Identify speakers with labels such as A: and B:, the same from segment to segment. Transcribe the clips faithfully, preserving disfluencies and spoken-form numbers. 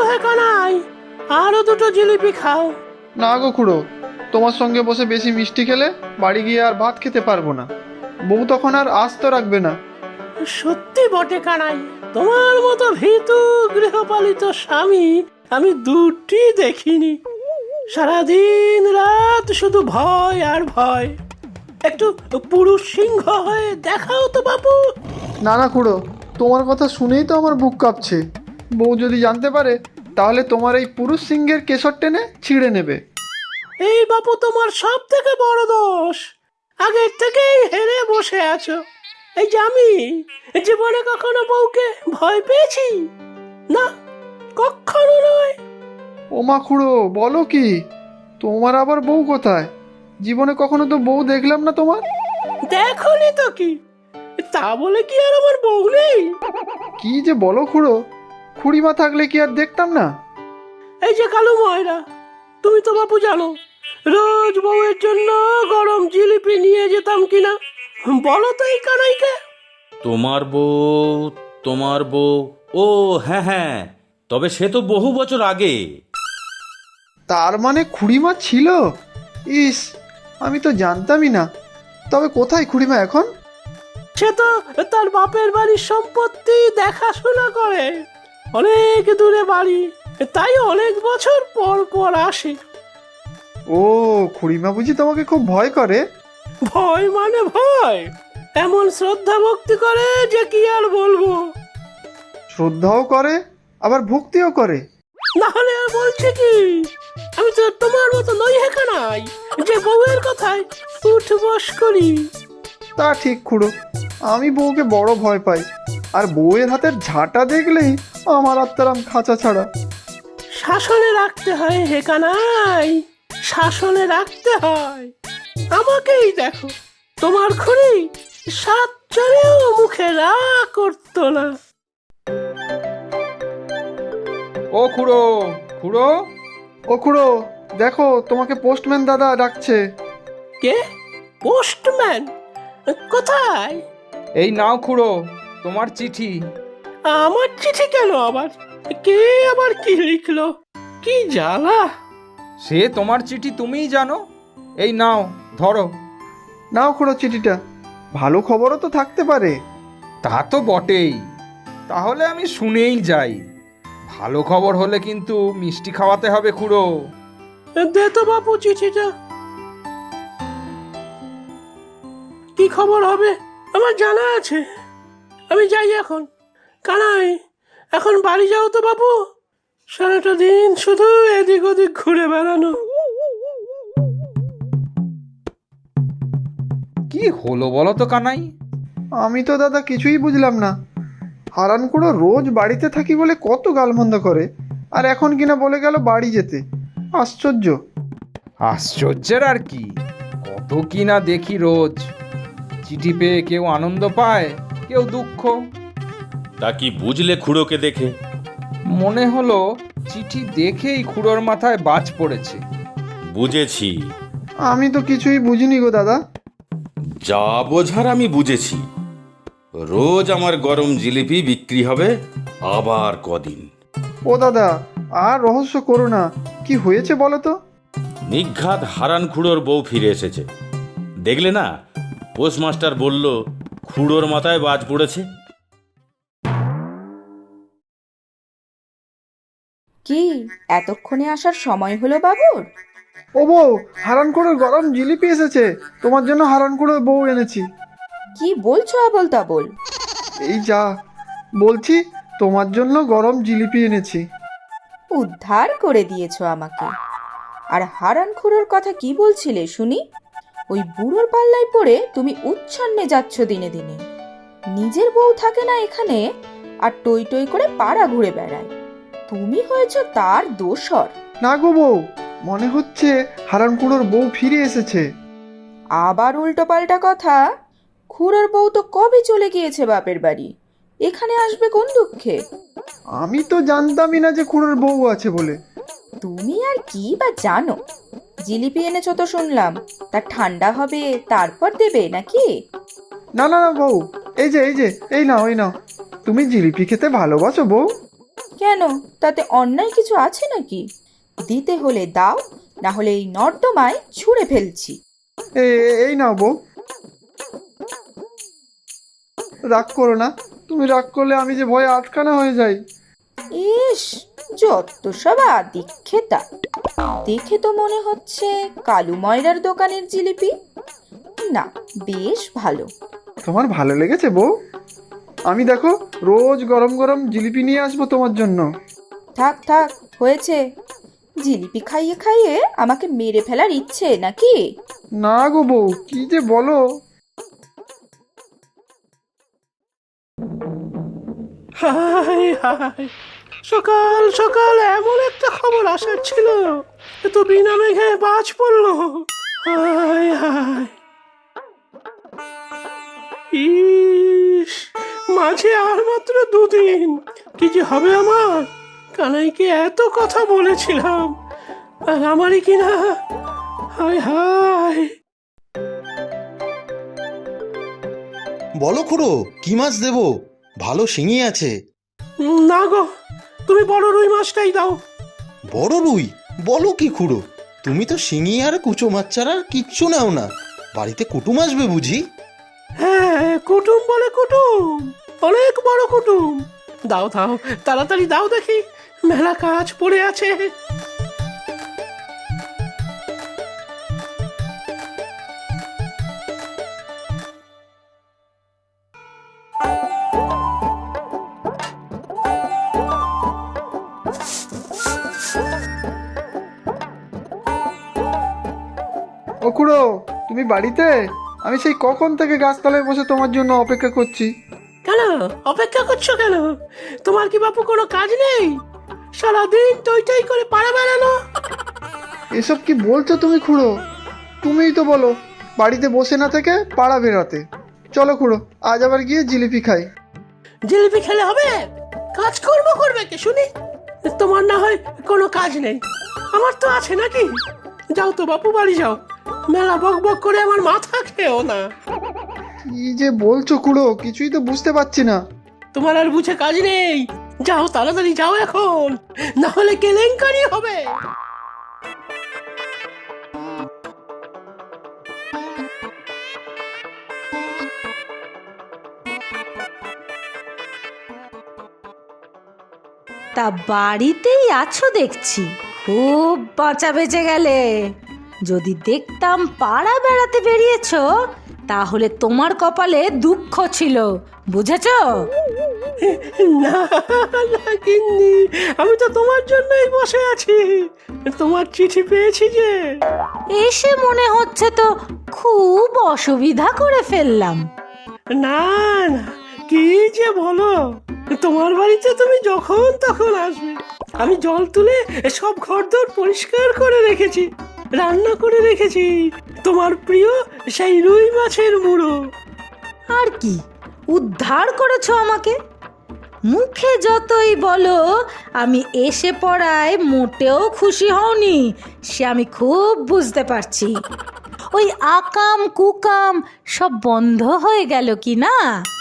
A: হে কানাই, আরো দুটো জিলিপি খাও।
B: না গো খুড়ো, তোমার সঙ্গে বসে বেশি মিষ্টি খেলে বাড়ি গিয়ে আর ভাত খেতে পারবো না। বউ তখন আর আস্ত রাখবে না।
A: সত্যি বটে কানাই, তোমার মতো ভীতু গৃহপালিত স্বামী আমি দুটি দেখিনি। সারাদিন রাত শুধু ভয় আর ভয়। একটু পুরুষ সিংহ হয়ে দেখাও তো বাবু।
B: না না খুড়ো, তোমার কথা শুনেই তো আমার বুক কাঁপছে। বউ যদি জানতে পারে তাহলে তোমার এই পুরুষ সিংহের কেশর টেনে ছিঁড়ে নেবে।
A: এই বাপু তোমার সব থেকে বড় দোষ। আগের থেকেই হেরে বসে আছো। এই যে আমি জীবনে কখনো বউকে ভয় পেয়েছি না, কখনো নয়।
B: ওমা খুড়ো, বলো কি? তোমার আবার বউ কোথায়? জীবনে কখনো তো বউ দেখলাম না তোমার।
A: দেখোনি তো কি, তা বলে কি আর আমার বউ নেই?
B: কি যে বলো খুড়ো, খুড়িমা থাকলে কি আর দেখতাম না?
A: এই যে কালু ময়রা, তুমি তো বাপু জানো রোজ বউয়ের জন্য গরম জিলিপি নিয়ে যেতাম কিনা। বলো তো এই কানাইকে।
C: তোমার বউ, তোমার বউ, ও হ্যাঁ হ্যাঁ, তবে সে তো বহু বছর আগে।
B: তার মানে খুড়িমা ছিল? ইস, আমি তো জানতামই না। তবে কোথায় খুড়িমা এখন?
A: সে তো তার বাপের বাড়ির সম্পত্তি দেখাশোনা করে। অনেক দূরে বাড়ি, তাই অনেক বছর পর পর আসে।
B: ও, খুড়িমা বুঝি তোমাকে খুব ভয় করে?
A: ভয় মানে ভয়, এমন শ্রদ্ধা ভক্তি করে যে কি আর বলবো।
B: শ্রদ্ধাও করে আবার ভক্তিও করে?
A: না হলে আর বলছে কি, আমি তো তোমার মতো নই হে কানাই যে বউয়ের কথায় উঠ বস করি।
B: তা ঠিক খুড়ো, আমি বউকে বড় ভয় পাই। আর বউয়ের হাতের ঝাঁটা দেখলেই আমার আত্মারাম খাঁচা ছাড়া।
A: শাসনে রাখতে হয় হে কানাই, শাসনে রাখতে হয়। আমাকেই দেখো, তোমার খুড়ি সাত জনেও মুখে রা করতো না।
D: ও খুড়ো, খুড়ো,
B: ও খুড়ো, দেখো তোমাকে পোস্টম্যান দাদা ডাকছে।
A: কে? পোস্টম্যান? কোথায়?
D: এই নাও খুড়ো তোমার চিঠি।
A: আমার চিঠি কেন আবার? কে আবার কি লিখলো? কি জ্বালা!
D: সে তোমার চিঠি তুমিই জানো। এই নাও ধরো।
B: নাও খুড়ো চিঠিটা, ভালো খবরও তো থাকতে পারে।
D: তা তো বটেই, তাহলে আমি শুনেই যাই। ভালো খবর হলে কিন্তু মিষ্টি খাওয়াতে হবে খুড়ো।
A: দে তো বাপু চিঠিটা। কি খবর হবে আমার জানা আছে। আমি যাই এখন। কানাই, এখন বাড়ি যাও তো বাপু। সারাটা দিন শুধু এদিক ওদিক ঘুরে বেড়ানো।
D: কি হলো বলো তো কানাই?
B: আমি তো দাদা কিছুই বুঝলাম না। হারান খুড়ো রোজ বাড়িতে থাকি বলে কত গালমন্দ করে, আর এখন কিনা বলে গেল বাড়ি যেতে। আশ্চর্য।
D: আশ্চর্যের আর কি, কত কি না দেখি রোজ। চিঠি পেয়ে কেউ আনন্দ পায়, কেউ দুঃখ।
C: তা কি বুঝলে খুড়োকে দেখে?
D: মনে হলো চিঠি দেখেই খুড়োর মাথায় বাজ পড়েছে।
C: বুঝেছি,
B: আমি তো কিছুই বুঝিনি গো দাদা।
C: যা বোঝার আমি বুঝেছি। রোজ আমার গরম জিলিপি বিক্রি হবে আবার কদিন।
B: ও দাদা, আর রহস্য করো না, কি হয়েছে বলো তো?
C: নিঘাত হারান খুড়োর বউ ফিরে এসেছে। দেখলে না, পোস্টমাস্টার বলল খুড়োর মাথায় বাজ পড়েছে।
E: কি এতক্ষণে আসার সময় হলো বাবুর?
B: ও বউ, হারান খুড়োর গরম জিলিপি এসেছে। তোমার জন্য হারান খুড়োর বউ এনেছি।
E: কি বলছো আবল তাবল?
B: এই যা বলছি, তোমার জন্য গরম জিলিপি এনেছি।
E: উদ্ধার করে দিয়েছো আমাকে। আর হারান খুড়োর কথা কি বলছিলে শুনি? ওই বুড়োর পাল্লায় পড়ে তুমি উচ্ছন্নে যাচ্ছ দিনে দিনে। নিজের বউ থাকে না এখানে, আর টই টই করে পাড়া ঘুরে বেড়ায়। তুমি হয়েছো তার দোসর।
B: না গো বউ, মনে হচ্ছে হারান খুড়োর বউ ফিরে এসেছে।
E: আবার উল্টো পাল্টা কথা। খুড়োর বউ তো কবে চলে গিয়েছে বাপের বাড়ি, এখানে আসবে কোন দুঃখে?
B: আমি তো জানতামই না যে খুড়োর বউ আছে বলে।
E: তুমি আর কি বা জানো? জিলিপি এনেছো তো শুনলাম, তা ঠান্ডা হবে তারপর দেবে নাকি?
B: না না না বউ, এই যে এই যে এই নাও এই নাও। তুমি জিলিপি খেতে ভালোবাসো বউ?
E: কেন, তাতে অন্যায় কিছু আছে নাকি? দিতে হলে দাও, না হলে এই নর্দমায় ছুঁড়ে ফেলছি।
B: এ- এ- এই নাও বউ, রাগ করো না। তুমি রাগ করলে আমি যে ভয়ে আটকানা হয়ে যাই।
E: ইস, যত সব আদিক্ষেতা! দেখে তো মনে হচ্ছে কালু ময়রার দোকানের জিলিপি। না, বেশ ভালো।
B: তোমার ভালো লেগেছে বউ? আমি দেখো রোজ গরম গরম জিলিপি নিয়ে আসবো তোমার জন্য।
E: থাক থাক, হয়েছে। জিলিপি খাইয়ে খাইয়ে আমাকে মেরে ফেলার ইচ্ছে নাকি?
B: না গো বউ, কি যে বলো।
A: হাই হাই, সকাল সকাল এমন একটা খবর আসার ছিল, এ তো বিনা মেঘে বাজ পড়লো। হাই হাই, ইস, মাঝে আর মাত্র দুদিন, কি যে হবে আমার। কানাইকে এত কথা বলেছিলাম, আর আমারই কিনা। Hi hi.
F: বলো খুড়ো, কি মাছ দেবো? ভালো শিঙি আছে।
A: উম, না গো, তুমি বড় রুই মাছটাই দাও।
F: বড় রুই? বলো কি খুড়ো, তুমি তো শিঙি আর কুচো মাছ ছাড়া আর কিচ্ছু নাও না। বাড়িতে কুটুম আসবে বুঝি?
A: হ্যাঁ, কুটুম বলে কুটুম, অনেক বড় কুটুম। দাও দাও, তাড়াতাড়ি দাও দেখি, মেলা কাজ পড়ে আছে।
B: ও খুড়ো, তুমি বাড়িতে? আমি সেই কখন থেকে গাছতলায় বসে তোমার জন্য অপেক্ষা করছি।
A: কেন অপেক্ষা করছো কেন? তোমার কি বাপু কোনো কাজ নেই? সারাদিন টই টই করে পাড়া বেড়ানো।
B: এসব কি বলছো তুমি খুড়ো? তুমিই তো বলো বাড়িতে বসে না থেকে পাড়া বেরাতে। চলো খুড়ো, আজ আবার গিয়ে জিলিপি খাই।
A: জিলিপি খেলে হবে? কাজকর্ম করবে কে শুনি? তোমার না হয় কোনো কাজ নেই, আমার তো আছে নাকি? যাও তো বাপু, বাড়ি যাও, মেলা বক বক করে আমার মাথা খেও না।
B: কি যে বলছো খুড়ো, কিছুই তো বুঝতে পারছি না।
A: তোমার আর বুঝে কাজ নেই, যাও তাড়াতাড়ি যাও এখন, না হলে কেলেঙ্কারি হবে।
G: তা বাড়িতেই আছো দেখছি, খুব বাঁচা বেঁচে গেলে। যদি দেখতাম পাড়া বেড়াতে বেরিয়েছো, তাহলে তোমার কপালে দুঃখ ছিল, বুঝেছো?
A: না না গিন্নি, আমি তো তোমার জন্যই বসে আছি, তোমার চিঠি পেয়েছি যে।
G: এসে মনে হচ্ছে তো খুব অসুবিধা করে ফেললাম।
A: না না, কি যে বলো, তোমার বাড়িতে তুমি যখন তখন আসবে। আমি জল তুলে সব ঘরদোর পরিষ্কার করে রেখেছি, রান্না করে রেখেছি তোমার প্রিয় সেই রুই মাছের মুড়ো।
G: আর কি উদ্ধার করেছো আমাকে? মুখে যতই বলো আমি এসে পড়ায় মোটেও খুশি হওনি, সে আমি খুব বুঝতে পারছি। ওই আকাম কুকাম সব বন্ধ হয়ে গেল কি না?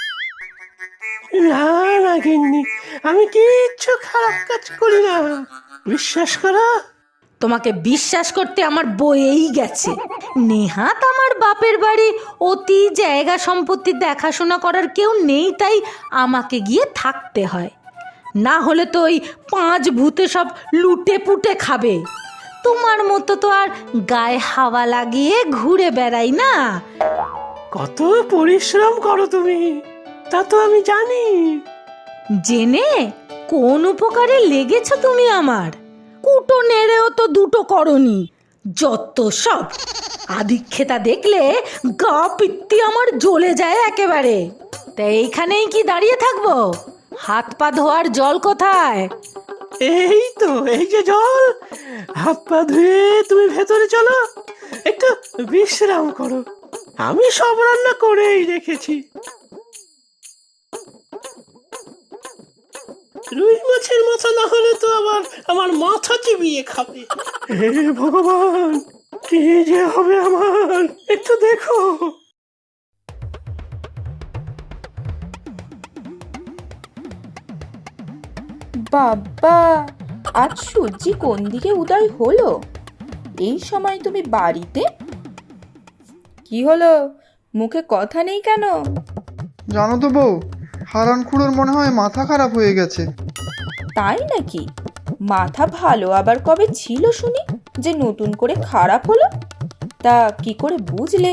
A: না না গিন্নি, আমি কিচ্ছু খারাপ কাজ করি না, বিশ্বাস করো।
G: তোমাকে বিশ্বাস করতে আমার বয়েই গেছে। নেহাত আমার বাপের বাড়ি অতি জায়গা সম্পত্তি দেখাশোনা করার কেউ নেই, তাই আমাকে গিয়ে থাকতে হয়, না হলে তো ওই পাঁচ ভূতে সব লুটে পুটে খাবে। তোমার মতো তো আর গায়ে হাওয়া লাগিয়ে ঘুরে বেড়াই না।
A: কত পরিশ্রম করো তুমি, তা তো আমি জানি।
G: জেনে কোন উপকারে লেগেছ তুমি আমার? কুটো নেড়েও তো দুটো করনি, যত সব আদিক্ষেতা দেখলে গা পিত্তি আমার জ্বলে যায় একেবারে। তা এইখানেই কি দাঁড়িয়ে থাকবো? হাত পা ধোয়ার জল কোথায়?
A: এই তো, এই যে জল, হাত পা ধুয়ে তুমি ভেতরে চলো, একটু বিশ্রাম করো, আমি সব রান্না করেই রেখেছি। রুই মাছের মাথা না হলে তো আবার আমার মাথা চিবিয়ে খাবে। হে ভগবান, কি যে হবে আমার, একটু দেখো।
E: বাবা, আজ সূর্যি কোন দিকে উদয় হলো? এই সময় তুমি বাড়িতে? কি হলো, মুখে কথা নেই কেন?
B: জানো তো বউ, হারান খুড়োর মনে হয় মাথা খারাপ হয়ে গেছে।
E: তাই নাকি? মাথা ভালো আবার কবে ছিল শুনি যে নতুন করে খারাপ হলো? তা কি করে বুঝলে?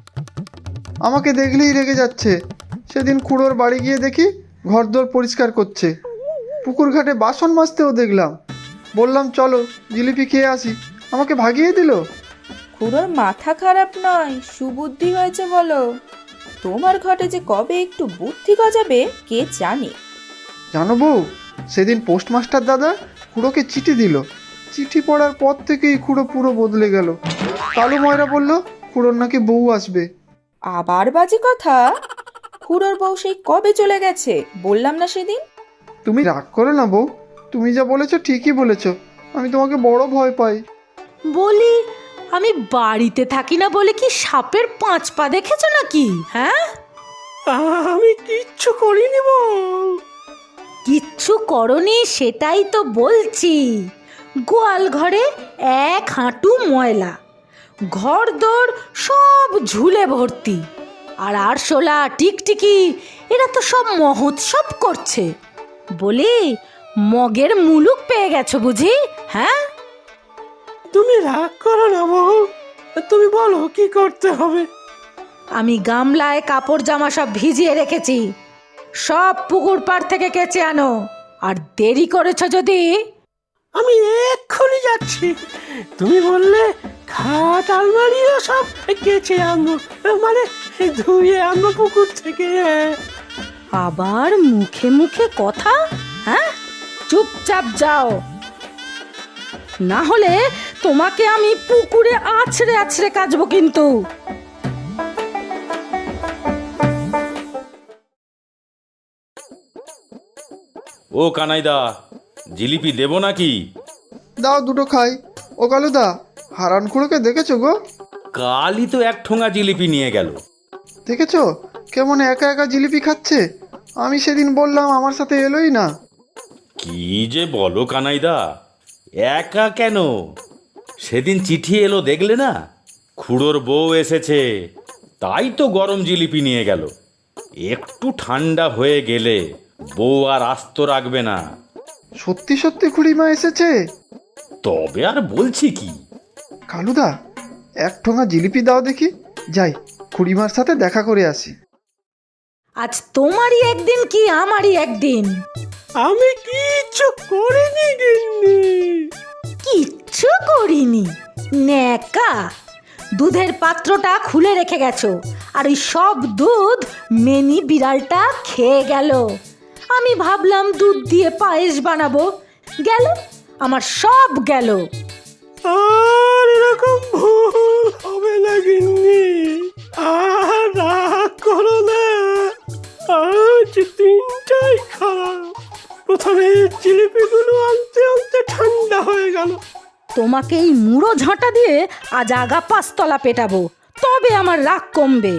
B: আমাকে দেখলেই রেগে যাচ্ছে। সেদিন খুড়োর বাড়ি গিয়ে দেখি ঘরদোর পরিষ্কার করছে, পুকুর ঘাটে বাসন মাজতেও দেখলাম। বললাম চলো জিলিপি খেয়ে আসি, আমাকে ভাগিয়ে দিল।
E: খুড়োর মাথা খারাপ নয়, সুবুদ্ধি হয়েছে বলো। তোমার ঘটে যে কবে একটু বুদ্ধি গজাবে কে জানে।
B: জানো বউ, সেদিন পোস্টমাস্টার দাদা খুড়োকে চিঠি দিল। চিঠি পড়ার পর থেকেই খুড়ো পুরো বদলে গেল। কালু ময়রা বলল খুড়োর নাকি বউ আসবে।
E: আবার বাজে কথা? খুড়োর বউ সেই কবে চলে গেছে বললাম না সেদিন?
B: তুমি রাগ করো না বউ, তুমি যা বলেছো ঠিকই বলেছো। আমি তোমাকে বড় ভয় পাই।
G: বলি, আমি বাড়িতে থাকি না বলে কি সাপের পাঁচ পা দেখেছো নাকি? হ্যাঁ,
A: আমি কিচ্ছু করিনি বউ।
G: কিচ্ছু করনি সেটাই তো বলছি। গোয়াল ঘরে এক হাঁটু ময়লা, ঘর দোর সব ঝুলে ভর্তি, আর আরশোলা টিকটিকি এরা তো সব মহোৎসব করছে। বলি, মগের মুলুক পেয়ে গেছো বুঝি? হ্যাঁ,
A: তুমি রাগ করো না বউ, তুমি বলো কি করতে হবে।
G: আমি গামলায় কাপড় জামা সব ভিজিয়ে রেখেছি, সব পুকুর পাড় থেকে কেচে আনো। আর দেরি করেছো যদি,
A: আমি এক্ষুনি যাচ্ছি। তুমি বললে খাট আলমারিও সব কেচে আনবো, মানে ধুয়ে আনবো পুকুর থেকে।
G: আবার মুখে মুখে কথা। হ্যাঁ, চুপচাপ যাও, না হলে তোমাকে আমি পুকুরে আছড়ে আছড়ে কাচবো কিন্তু।
C: ও কানাইদা, জিলিপি দেবো নাকি?
B: দাও দুটো খাই। ও কালুদা, হারান খুড়োকে দেখেছো গো?
C: কালই তো এক ঠোঙা জিলিপি নিয়ে গেল।
B: দেখেছো কেমন একা একা জিলিপি খাচ্ছে? আমি সেদিন বললাম আমার সাথে এলোই না।
C: কি যে বলো কানাইদা, একা কেন? সেদিন চিঠি এলো দেখলে না? খুড়োর বউ এসেছে, তাই তো গরম জিলিপি নিয়ে গেল। একটু ঠান্ডা হয়ে গেলে বউ আর আস্ত রাখবে না।
B: সত্যি সত্যি খুড়িমা এসেছে?
C: তবে আর বলছি কি।
B: কালুদা, এক ঠোঙা জিলিপি দাও দেখি, যাই খুড়িমার সাথে দেখা করে আসি।
G: আজ তোমারই একদিন কি আমারই একদিন?
A: আমি কিচ্ছু করিনি গিন্নি।
G: কিচ্ছু করিনি? ন্যাকা, দুধের পাত্রটা খুলে রেখে গেছো, আর ওই সব দুধ মেনি বিড়ালটা খেয়ে গেল। আমি ভাবলাম দুধ দিয়ে পায়েস বানাবো, গেল আমার সব গেল।
A: আর এরকম ভুল হবে না গিন্নি, আর রাগ করো না। আজ দিনটাই খারাপ। প্রথমে জিলিপিগুলো আনতে আনতে ঠান্ডা হয়ে গেল।
G: তোমাকে এই মুড়ো ঝাঁটা দিয়ে আজ আগা পাঁচতলা পেটাবো, তবে আমার রাগ কমবে।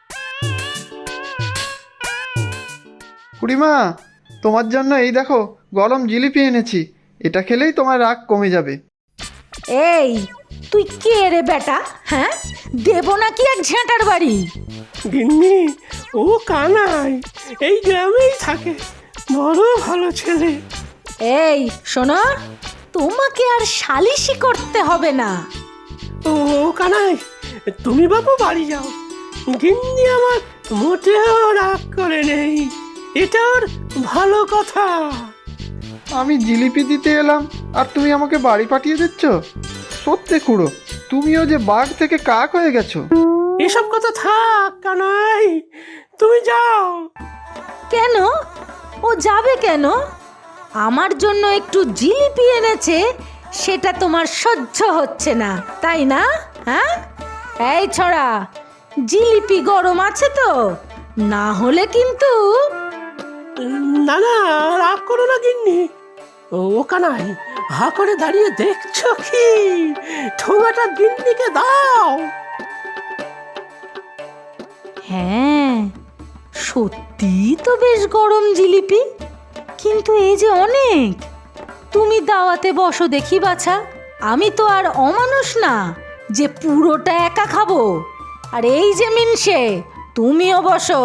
B: খুড়িমা, তোমার জন্য এই দেখো গরম জিলিপি এনেছি, এটা খেলেই তোমার রাগ কমে যাবে।
G: এই, তুই কে রে বেটা? হ্যাঁ, দেবো নাকি এক ঝাঁটার বাড়ি?
A: গিন্নি, ও কানাই, এই গ্রামেই থাকে, বড় ভালো ছেলে।
G: এই শোনো, তোমাকে আর সালিশি করতে হবে না।
A: ও কানাই, তুমি বাবু বাড়ি যাও। গিন্নি আমার মোটেও রাগ করে নেই, এটা ওর ভালো কথা।
B: আমি জিলিপি দিতে এলাম আর তুমি আমাকে বাড়ি পাঠিয়ে দিচ্ছ? সত্যি খুড়ো, তুমিও যে বাঘ থেকে কাক হয়ে গেছো।
A: এসব কথা থাক কানাই, তুমি যাও।
G: কেন? ও যাবে কেন? আমার জন্য একটু জিলিপি এনেছে, সেটা তোমার সহ্য হচ্ছে না তাই না? হ্যাঁ, এই ছড়া, জিলিপি গরম আছে তো? না হলে কিন্তু।
A: না না, রাগ করো না গিন্নি। ও কানাই, হা করে দাঁড়িয়ে দেখছো কি? ঠোঙাটা গিন্নিকে দাও।
G: হ্যাঁ, সত্যি তো বেশ গরম জিলিপি, কিন্তু এই যে অনেক। তুমি দাওয়াতে বসো দেখি বাছা, আমি তো আর অমানুষ না যে পুরোটা একা খাবো। আর এই যে মিনসে, তুমিও বসো।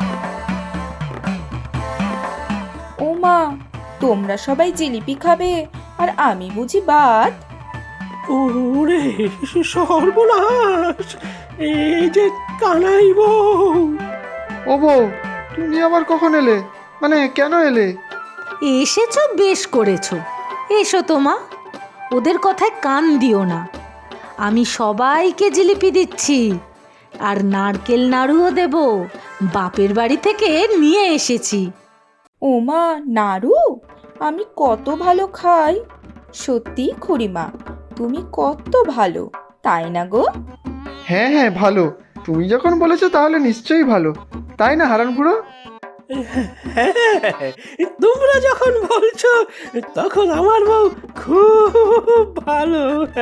E: ও মা, তোমরা সবাই জিলিপি খাবে আর আমি বুঝি ভাত?
A: ওরে সর্বনাশ, এই যে কানাই বউ।
B: ও বউ, তুমি আবার কখন এলে? মানে কেন এলে?
G: এসেছো, বেশ করেছো। এসো তো মা, ওদের কথায় কান দিও না। আমি সবাইকে জিলিপি দিচ্ছি, আর নারকেল নাড়ুও দেব, বাপের বাড়ি থেকে নিয়ে এসেছি।
E: ও মা, নাড়ু? আমি কত ভালো খাই। সত্যি খুড়িমা, তুমি কত ভালো, তাই না গো?
B: হ্যাঁ হ্যাঁ ভালো, তুমি যখন বলেছো তাহলে নিশ্চয়ই ভালো, তাই না হারান খুড়ো?
A: হ্যাঁ, তোমরা যখন বলছো তখন আমার বউ খুব ভালো।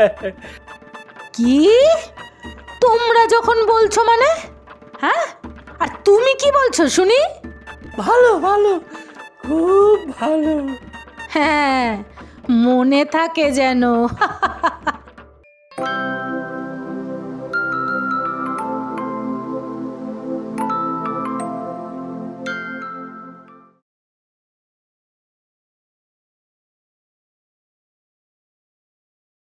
G: কি তোমরা যখন বলছো মানে? হ্যাঁ, আর তুমি কি বলছো শুনি?
A: ভালো ভালো, খুব ভালো।
G: হ্যাঁ, মনে থাকে যেন।